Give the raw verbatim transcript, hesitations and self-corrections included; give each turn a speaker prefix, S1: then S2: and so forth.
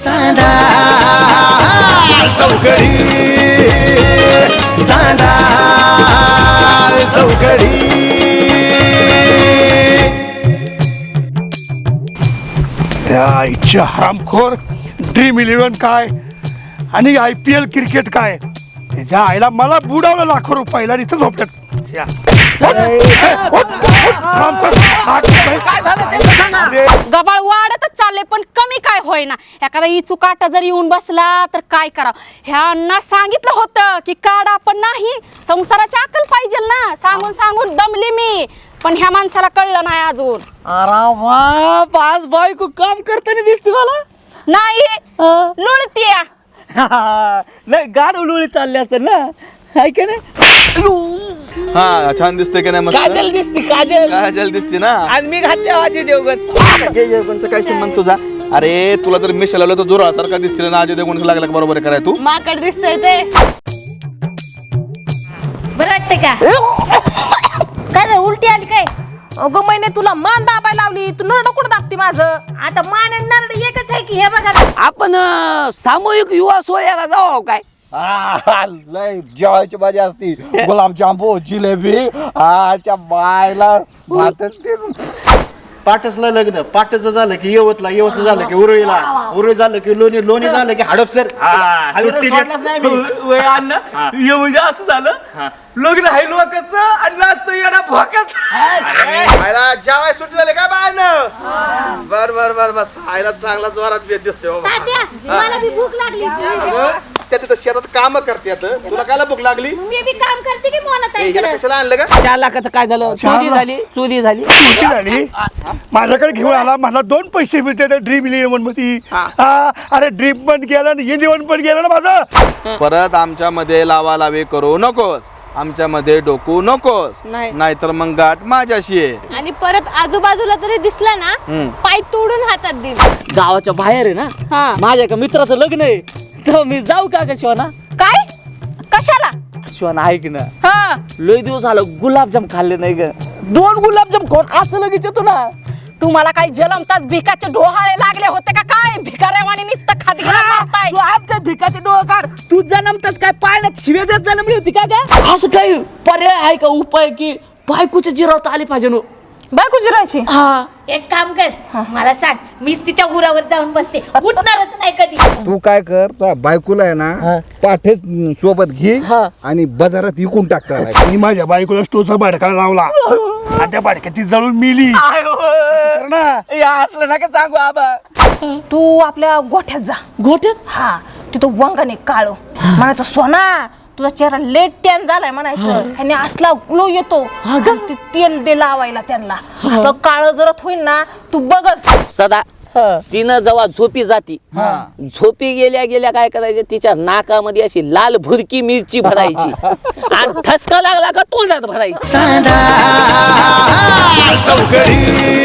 S1: चांदा चौकडी चांदा चौकडी.
S2: त्या इच्छा हरामखोर ड्रीम इलेव्हन काय आणि आय पी एल क्रिकेट काय त्याच्या आईला मला बुडावलं लाखो रुपयाला इथं झोपल्यात.
S3: गबाळ वाढतच चालले पण कमी काय होईना. एखादा इचू काटा जर येऊन बसला तर काय करावं. ह्यांना सांगितलं होतं की काढा पण नाही, संसाराची अक्कल पाहिजे ना. सांगून सांगून दमली मी, पण ह्या माणसाला कळलं नाही अजून.
S4: अरे बाप, आज बायको काम करताना दिसते मला.
S3: नाही लुळतीया
S4: नाही गाडव लुळी चालली असेल ना, हाय का नाही.
S5: हा छान दिसतोय की नाही. मस्त
S4: काजल दिसते, काजल
S5: काजल दिसते ना.
S4: आणि मी घातले अजय देवगण.
S5: अजय देवगणचा काय संबंध तुझा. अरे तुला तर मिशा लावलं तर जोरा सारखा दिसतील ना. अजय देवगणचं लागला का बरोबर आहे कराय तू.
S3: माकड दिसतोय ते
S6: बरं वाटतंय का. काय झालं, उलटी आली काय.
S3: अगं महिने तुला मान दाबायला लावली, तू नरड कुठं दाबते माझं.
S6: आता मान आणि नरड एकच आहे की. हे बघा
S4: आपण अं, सामूहिक युवा सोहळ्याला जाऊ काय.
S7: लय जेवायची भाजी असती, गुलाबजामू जिलेबी आच्या बायला भात ते.
S8: पाटसला लग्न, पाटचं झालं की यवतला, यवत झालं की उरळीला, उरळी झालं की लोणी, लोणी झालं की हडपसर.
S4: म्हणजे असं झालं लग्न आहे लोकांचं आणि नाचतो येणा भोकाच.
S5: जेवाय सुट्टी झाली काय बाळानं. बर बर बर बर खायला चांगला जोरात भेट दिसतोय बाबा.
S6: मला बी भूक लागली.
S5: त्या तिथं शेतात काम करतात. तुला कायला भूक लागली.
S6: मी बी काम करते की मोनात
S5: ए, याला कशाला आणलं का.
S4: चार लाखाचं काय झालं.
S2: चार
S4: चोरी
S2: लाख?
S4: झाली, चोरी झाली.
S2: चुकी झाली. माझ्याकडे घेऊन आला, मला दोन पैसे मिळते त्या ड्रीम इलेव्हन मध्ये. हा, अरे ड्रीम पण गेला आणि इलेव्हन पण गेला ना माझं.
S5: परत आमच्या मध्ये लावा लावी करू नकोस. आमच्या मध्ये डोकू नकोस.
S4: नाही.
S5: नाहीतर मग गाठ माझ्याशी आहे.
S3: आणि परत आजूबाजूला तरी दिसला ना पाय तोडून हातात देईन.
S4: गावाच्या बाहेर आहे ना,
S3: हा
S4: माझ्या एका मित्राचं लग्न आहे, तर मी जाऊ का ग शिवाना.
S3: काय कशाला.
S4: शिवाना ऐक ना,
S3: हा
S4: लय दिवस झालं गुलाबजाम खाल्ले नाही ग. दोन गुलाबजाम कोण असं लगेच येतो ना.
S3: तुम्हाला काही जलमताच भिकाचे डोहाळे लागले होते का काय. भिकाऱ्यावाणी नुसतं खाती मारताय.
S4: तू आमच्या भिकाचे डोळे काढ. तू जन्मताच काय पाळण्यात शिव्या देत जन्मली होती का ग. असं काही पर्याय आहे का, उपाय की बायकोच्या जिरावता आले पाहिजे नो.
S3: बायको जिरायची.
S4: हा
S6: एक काम कर, मला सांग, मीच तिच्या उरावर जाऊन बसते, उठणारच नाही कधी.
S7: तू काय कर, तुझ्या बायकोला आहे ना पाठेच सोबत घे
S4: हा.
S7: आणि बाजारात विकून टाकता.
S2: मी माझ्या बायकोला स्टोचा भाडका लावला आणि त्या भाडक्यात ती जळून मिली. कर ना.
S4: असलं नका सांगू आबा.
S3: तू आपल्या गोठ्यात जा.
S4: गोठ्यात
S3: हा तिथं वंगाने काळ म्हणायचं सोना तुझा चेहरा लेट टॅन झालाय म्हणायचं. आणि असला ग्लो येतो आणि ते तेल दे लावायला त्यांना. असं काळ जरत होईल ना तू बघच.
S4: सदा तिनं जेव्हा झोपी जाती, झोपी गेल्या गेल्या काय करायचं, तिच्या नाकामध्ये अशी लाल भुरकी मिरची भरायची आणि ठसका लागला का तोंडात भरायची.
S1: चांदा चौकडी